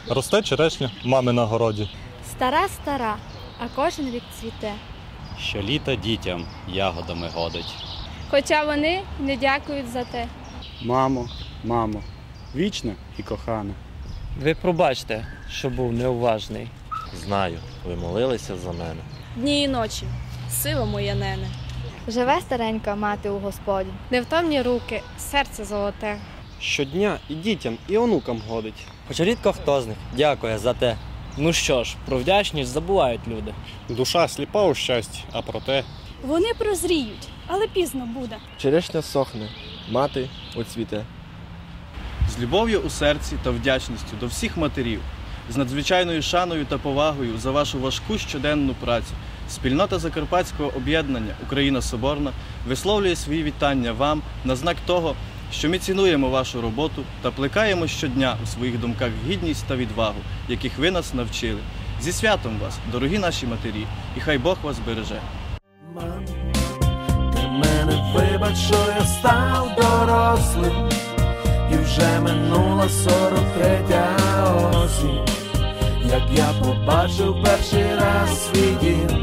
Росте черешня мами на городі. Стара, а кожен рік цвіте. Щоліта дітям ягодами годить. Хоча вони не дякують за те. Мамо, вічна і кохана. Ви пробачте, що був неуважний. Знаю, ви молилися за мене. Дні і ночі, сила моя нене. Живе старенька мати у Господі. Невтомні руки, серце золоте. Щодня і дітям, і онукам годить. Хоча рідко хто з них дякує за те. Ну що ж, про вдячність забувають люди. Душа сліпа у щасті, а проте Вони прозріють, але пізно буде. Черешня сохне, мати оцвіте. З любов'ю у серці та вдячністю до всіх матерів, з надзвичайною шаною та повагою за вашу важку щоденну працю, спільнота Закарпатського об'єднання «Україна Соборна» висловлює свої вітання вам на знак того, що ми цінуємо вашу роботу та плекаємо щодня у своїх думках гідність та відвагу, яких ви нас навчили. Зі святом вас, дорогі наші матері, і хай Бог вас береже. Мам, ти мене вибач, що я став дорослим, і вже минула 43-я осінь, як я побачив перший раз свій дім.